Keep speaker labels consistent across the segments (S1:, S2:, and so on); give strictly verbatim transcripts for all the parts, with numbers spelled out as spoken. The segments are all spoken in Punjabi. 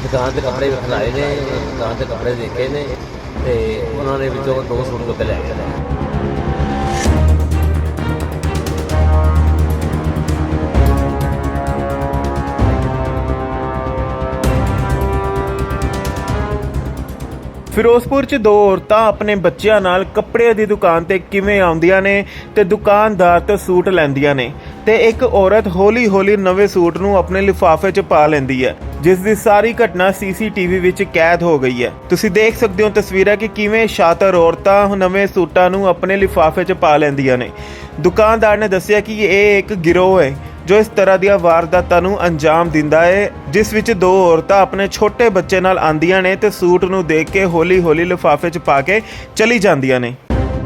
S1: ਦੁਕਾਨ ਤੇ ਕੱਪੜੇ ਵੇਖਣ ਆਏ ਨੇ, ਦੁਕਾਨ ਤੇ ਕੱਪੜੇ ਦੇਖੇ ਨੇ ਤੇ ਉਹਨਾਂ ਨੇ ਵਿੱਚੋਂ ਦੋ ਸੂਟ ਚੁੱਕ ਕੇ ਲੈ ਗਏ ਨੇ।
S2: ਫਿਰੋਜ਼ਪੁਰ 'ਚ ਦੋ ਔਰਤਾਂ ਆਪਣੇ ਬੱਚਿਆਂ ਨਾਲ ਕੱਪੜੇ ਦੀ ਦੁਕਾਨ ਤੇ ਕਿਵੇਂ ਆਉਂਦੀਆਂ ਨੇ ਤੇ ਦੁਕਾਨਦਾਰ ਤੋਂ ਸੂਟ ਲੈਂਦੀਆਂ ਨੇ ਤੇ ਇੱਕ ਔਰਤ ਹੌਲੀ-ਹੌਲੀ ਨਵੇਂ ਸੂਟ ਨੂੰ ਆਪਣੇ ਲਿਫਾਫੇ 'ਚ ਪਾ ਲੈਂਦੀ ਹੈ, ਜਿਸ ਦੀ ਸਾਰੀ ਘਟਨਾ ਸੀਸੀਟੀਵੀ ਵਿੱਚ ਕੈਦ ਹੋ ਗਈ ਹੈ। ਤੁਸੀਂ ਦੇਖ ਸਕਦੇ ਹੋ ਤਸਵੀਰਾਂ ਕਿ ਕਿਵੇਂ ਸ਼ਾਤਰ ਔਰਤਾਂ ਨਵੇਂ ਸੂਟਾਂ ਨੂੰ ਆਪਣੇ ਲਿਫਾਫੇ 'ਚ ਪਾ ਲੈਂਦੀਆਂ ਨੇ। ਦੁਕਾਨਦਾਰ ਨੇ ਦੱਸਿਆ ਕਿ ਇਹ ਇੱਕ ਗਿਰੋਹ ਹੈ ਜੋ ਇਸ ਤਰ੍ਹਾਂ ਦੀਆਂ ਵਾਰਦਾਤਾਂ ਨੂੰ ਅੰਜਾਮ ਦਿੰਦਾ ਹੈ, ਜਿਸ ਵਿੱਚ ਦੋ ਔਰਤਾਂ ਆਪਣੇ ਛੋਟੇ ਬੱਚੇ ਨਾਲ ਆਂਦੀਆਂ ਨੇ ਤੇ ਸੂਟ ਨੂੰ ਦੇਖ ਕੇ ਹੌਲੀ-ਹੌਲੀ ਲਿਫਾਫੇ 'ਚ ਪਾ ਕੇ ਚਲੀ ਜਾਂਦੀਆਂ ਨੇ।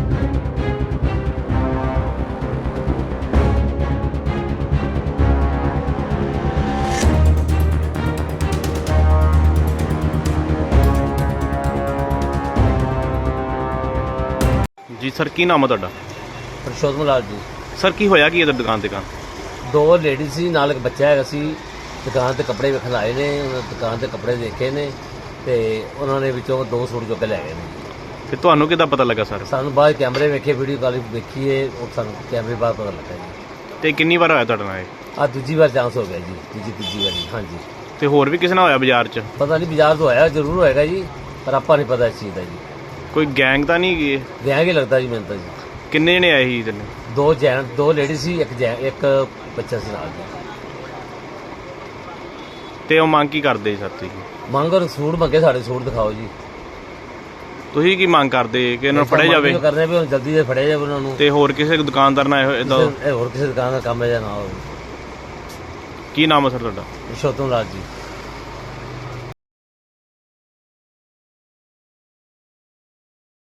S3: ਜੀ ਸਰ, ਕੀ ਨਾਮ ਹੈ ਤੁਹਾਡਾ?
S1: ਪਰਸ਼ੋਤਮ ਲਾਲ ਜੀ।
S3: ਸਰ, ਕੀ ਹੋਇਆ ਕੀ ਇਧਰ ਦੁਕਾਨ ਤੇ ਕਾਂ?
S1: ਦੋ ਲੇਡੀਜ਼ ਸੀ, ਨਾਲ ਇੱਕ ਬੱਚਾ ਹੈਗਾ ਸੀ। ਦੁਕਾਨ ਤੇ ਕੱਪੜੇ ਵੇਖਣ ਆਏ ਨੇ, ਉਹਨਾਂ ਦੁਕਾਨ ਤੇ ਕੱਪੜੇ ਦੇਖੇ ਨੇ ਤੇ ਉਹਨਾਂ ਨੇ ਵਿੱਚੋਂ ਦੋ ਸੂਟ ਚੁੱਕ ਕੇ ਲੈ ਗਏ ਨੇ।
S3: ਤੇ ਤੁਹਾਨੂੰ ਕਿੱਦਾਂ ਪਤਾ ਲੱਗਾ ਸਰ?
S1: ਸਾਨੂੰ ਬਾਅਦ ਕੈਮਰੇ ਵੇਖੇ, ਵੀਡੀਓ ਕਾਲ ਦੇਖੀਏ, ਉਹ ਸਾਨੂੰ ਕੈਮਰੇ ਬਾਅਦ ਪਤਾ ਲੱਗਾ ਜੀ।
S3: ਤੇ ਕਿੰਨੀ ਵਾਰ ਹੋਇਆ ਤੁਹਾਡੇ ਨਾਲ ਇਹ?
S1: ਆ ਦੂਜੀ ਵਾਰ ਚਾਂਸ ਹੋ ਗਿਆ ਜੀ, ਦੂਜੀ ਤੀਜੀ ਵਾਰੀ। ਹਾਂਜੀ,
S3: ਤੇ ਹੋਰ ਵੀ ਕਿਸੇ ਨਾਲ ਹੋਇਆ ਬਾਜ਼ਾਰ 'ਚ?
S1: ਪਤਾ ਨਹੀਂ, ਬਾਜ਼ਾਰ ਤੋਂ ਹੋਇਆ ਜ਼ਰੂਰ ਹੋਏਗਾ ਜੀ, ਪਰ ਆਪਾਂ ਨਹੀਂ ਪਤਾ ਇਸ ਚੀਜ਼ ਦਾ ਜੀ।
S3: ਕੋਈ ਗੈਂਗ ਤਾਂ ਨਹੀਂ ਗਈ?
S1: ਵਿਆਹ ਹੀ ਲੱਗਦਾ ਜੀ ਮੈਨੂੰ ਤਾਂ ਜੀ।
S3: ਕਿੰਨੇ ਜਣੇ ਆਏ ਸੀ ਤੈਨੂੰ?
S1: ਦੋ ਜੈਨ ਦੋ ਲੇਡੀ ਸੀ, ਇੱਕ ਜੈ ਇੱਕ ਬੱਚਾ ਸੀ ਨਾਲ ਜੀ।
S3: ਤੇ ਉਹ ਮੰਗ ਕੀ ਕਰਦੇ ਸਰ ਤੁਸੀਂ?
S1: ਮੰਗ ਔਰ ਸੂਟ ਮੰਗੇ, ਸਾਡੇ ਸੂਟ ਦਿਖਾਓ ਜੀ।
S3: ਤੁਸੀਂ ਕੀ ਮੰਗ ਕਰਦੇ ਕਿ ਇਹਨਾਂ ਨੂੰ ਫੜਿਆ ਜਾਵੇ?
S1: ਕਰਦੇ ਵੀ ਹੁਣ ਜਲਦੀ ਦੇ ਫੜਿਆ ਜਾਵੇ ਉਹਨਾਂ ਨੂੰ।
S3: ਤੇ ਹੋਰ ਕਿਸੇ ਦੁਕਾਨਦਾਰ ਨਾਲ ਇਦਾਂ?
S1: ਇਹ ਹੋਰ ਕਿਸੇ ਦੁਕਾਨ ਦਾ ਕੰਮ ਹੈ ਜਾਂ ਨਾ ਹੋਵੇ।
S3: ਕੀ ਨਾਮ ਹੈ ਸਰ ਤੁਹਾਡਾ?
S1: ਪਰਸ਼ੋਤਮ ਲਾਲ ਜੀ।